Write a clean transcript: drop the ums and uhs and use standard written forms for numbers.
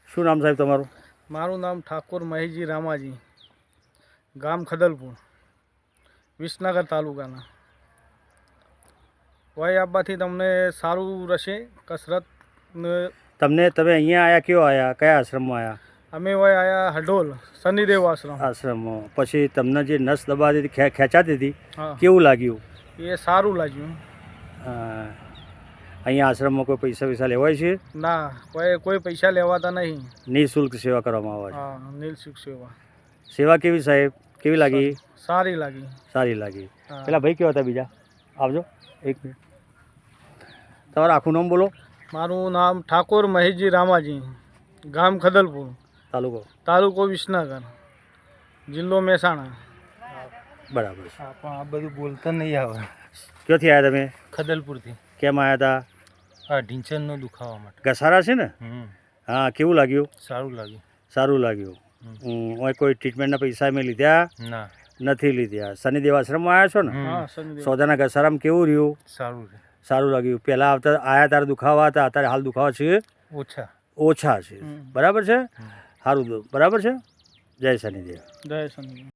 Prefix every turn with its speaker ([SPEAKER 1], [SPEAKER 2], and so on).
[SPEAKER 1] શું નામ સાહેબ તમારું?
[SPEAKER 2] મારું નામ ઠાકોર મહેશજી રામાજી, ગામ ખદલપુર, વિસનગર તાલુકાના. વય આપવાથી તમને સારું રહેશે કસરત.
[SPEAKER 1] તમે અહીંયા આવ્યા, કયો આવ્યા, કયા આશ્રમમાં આવ્યા?
[SPEAKER 2] અમે વય આવ્યા હડોલ શનિદેવ
[SPEAKER 1] આશ્રમમાં. પછી તમને જે નસ દબાતી હતી, ખેંચાતી હતી,
[SPEAKER 2] હા,
[SPEAKER 1] કેવું લાગ્યું?
[SPEAKER 2] એ સારું લાગ્યું.
[SPEAKER 1] અહીંયા આશ્રમમાં કોઈ પૈસા લેવાય છે?
[SPEAKER 2] ના, કોઈ પૈસા લેવાતા નહીં.
[SPEAKER 1] નિઃશુલ્ક સેવા કરવામાં આવે છે.
[SPEAKER 2] હા, નિઃશુલ્ક સેવા.
[SPEAKER 1] સેવા કેવી સાહેબ, કેવી લાગી?
[SPEAKER 2] સારી લાગી.
[SPEAKER 1] સારી લાગી. પેલા ભાઈ કેવા હતા બીજા? આવજો એક મિનિટ. તમારું આખું નામ બોલો.
[SPEAKER 2] મારું નામ ઠાકોર મહેશજી રામાજી, ગામ ખદલપુર, તાલુકો વિસનગર, જિલ્લો મહેસાણા.
[SPEAKER 1] બરાબર છે.
[SPEAKER 2] પણ આ બધું બોલતા નહીં આવે.
[SPEAKER 1] ક્યાંથી આવ્યા તમે?
[SPEAKER 2] ખદલપુરથી.
[SPEAKER 1] કેમ આવ્યા હતા?
[SPEAKER 2] હા, ઢીંચણનો દુખાવા માટે.
[SPEAKER 1] ઘસારા છે ને? હા, કેવું લાગ્યું?
[SPEAKER 2] સારું લાગ્યું.
[SPEAKER 1] સારું લાગ્યું. કોઈ ટ્રીટમેન્ટના પૈસા મેં લીધા?
[SPEAKER 2] ના,
[SPEAKER 1] નથી લીધા. શનિદેવ આશ્રમમાં આવ્યા છો ને?
[SPEAKER 2] હા, શનિદેવ.
[SPEAKER 1] સોદાના ઘસારામાં કેવું રહ્યું?
[SPEAKER 2] સારું.
[SPEAKER 1] સારું લાગ્યું. પહેલાં આવ્યા ત્યારે દુખાવા હતા, અત્યારે હાલ દુખાવા છે? ઓછા છે. બરાબર છે. સારું, બરાબર છે. જય શનિદેવ.
[SPEAKER 2] જય શનિદેવ.